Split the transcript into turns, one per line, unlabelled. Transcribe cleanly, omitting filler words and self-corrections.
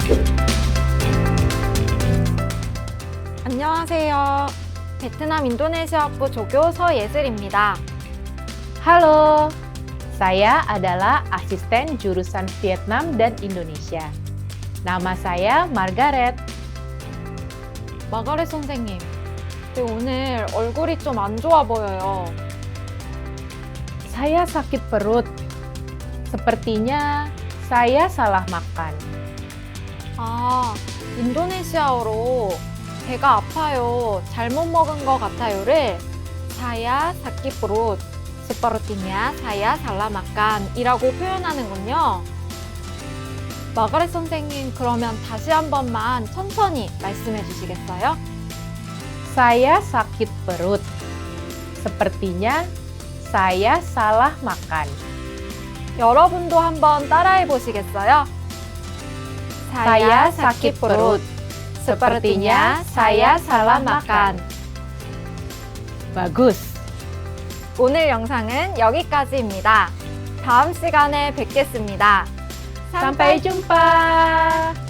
안녕하세요. 베트남 인도네시아학부 조교 서예슬입니다.
Halo, saya adalah asisten jurusan Vietnam dan Indonesia. Nama saya Margaret.
마가렛 선생님, 오늘 얼굴이 좀 안 좋아 보여요.
Saya sakit perut. Sepertinya saya salah makan.
아, 인도네시아어로 배가 아파요, 잘못 먹은 것 같아요를 saya sakit perut, sepertinya saya salah makan 이라고 표현하는군요. 마가렛 선생님, 그러면 다시 한 번만 천천히 말씀해 주시겠어요?
Saya sakit perut. Sepertinya saya salah makan.
여러분도 한번 따라해 보시겠어요?
Saya sakit perut. Sepertinya saya salah makan. Bagus.
오늘 영상은 여기까지입니다. 다음 시간에 뵙겠습니다.
Sampai jumpa.